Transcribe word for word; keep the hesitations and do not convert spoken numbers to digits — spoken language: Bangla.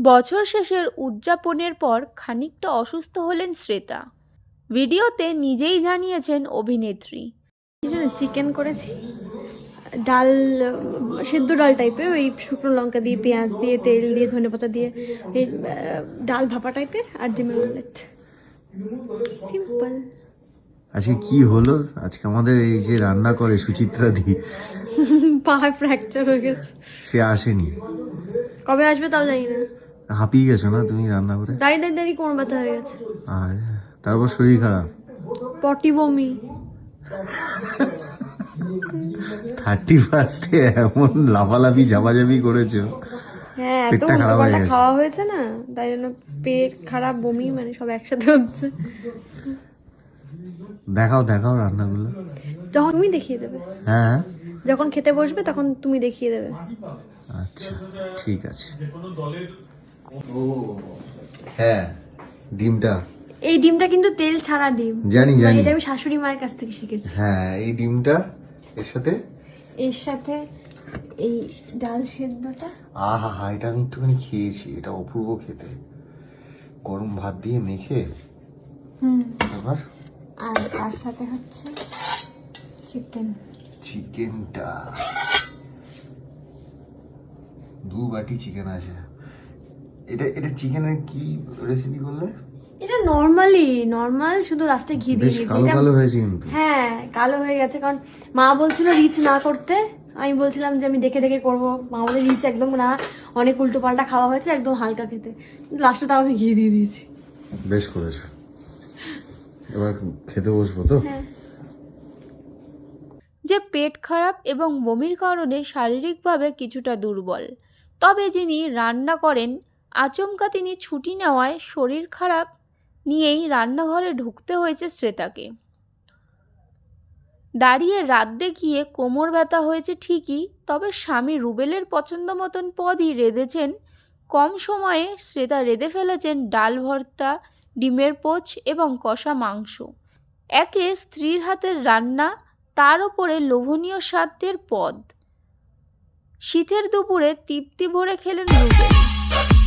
বছর শেষের উদযাপনের পর খানিকটা অসুস্থ হলেন শ্বেতা। ভিডিওতে নিজেই জানিয়েছেন অভিনেত্রী, চিকেন করেছি, ডাল, সেদ্ধ ডাল টাইপের, ওই শুকনো লঙ্কা দিয়ে, পেঁয়াজ দিয়ে, তেল দিয়ে, ধনেপাতা দিয়ে, এই ডাল ভাপা টাইপের, আর ডিমের অমলেট, সিম্পল। আজকে কি হলো? আজকে আমাদের এই যে রান্না করে সুচিত্রা দি, পা ফ্র্যাকচার হয়ে গেছে, সে আসেনি। কবে আসবে তাও জানি না। হাঁপিয়ে গেছো না তুমি রান্না করে? দাঁড়িয়ে দাঁড়িয়ে দাঁড়িয়ে কোমর ব্যথা হয়ে গেছে, আর তারপর শরীর খারাপ, পটি বমি। থার্টি ফার্স্টে এমন লাফালাফি ঝাপাঝাপি করেছো, হ্যাঁ, এত পেটটা খারাপ হয়ে উল্টোপাল্টা গেছে। খাওয়া হয়েছে না, তাই জন্য পেট খারাপ, বমি, মানে সব একসাথে হচ্ছে। দেখাও দেখাও রান্নাগুলো। যখন তুমি দেখিয়ে দেবে, হ্যাঁ যখন খেতে বসবে তখন তুমি দেখিয়ে দেবে। আচ্ছা ঠিক আছে। হ্যাঁ ডিমটা, এই ডিমটা কিন্তু তেল ছাড়া ডিম, জানি মানে জানি। এটা আমি শাশুড়ি মায়ের কাছ থেকে শিখেছি। হ্যাঁ এই ডিমটা এর সাথে, এর সাথে এই ডাল সেদ্ধটা। আহা হা, এটা আমি একটুখানি খেয়েছি, এটা অপূর্ব খেতে, গরম ভাত দিয়ে মেখে। হুম, আবার আর তার সাথে হচ্ছে চিকেন। চিকেনটা, দু বাটি চিকেন আছে। এটা এটা চিকেনের কি রেসিপি করলে? এটা নর্মালি নর্মাল, শুধু লাস্টে ঘি দিয়ে বেশ দিয়েছি। কালো এটা কালো হয়েছে কিন্তু। হ্যাঁ, কালো হয়ে গেছে, কারণ মা বলছিল রিচ না করতে, আমি বলছিলাম যে আমি দেখে দেখে করবো, মা বলে রিচ একদম না, অনেক উল্টো পাল্টা খাওয়া হয়েছে, একদম হালকা খেতে। লাস্টে তাও আমি ঘি দিয়ে দিয়েছি। বেশ করেছো। এবার খেতে বসবো তো। যে পেট খারাপ এবং বমির কারণে শারীরিকভাবে কিছুটা দুর্বল, তবে যিনি রান্না করেন আচমকা তিনি ছুটি নেওয়ায় শরীর খারাপ নিয়েই রান্নাঘরে ঢুকতে হয়েছে শ্বেতাকে। দাঁড়িয়ে রাত দেখিয়ে কোমর ব্যথা হয়েছে ঠিকই, তবে স্বামী রুবেলের পছন্দ মতন পদই রেঁধেছেন। কম সময়ে শ্বেতা রেঁধে ফেলেছেন ডাল ভর্তা, ডিমের পোচ এবং কষা মাংস। একে স্ত্রীর হাতের রান্না, তার ওপরে লোভনীয় স্বাদের পদ। শীতের দুপুরে তৃপ্তি ভরে খেলেন রুবেল।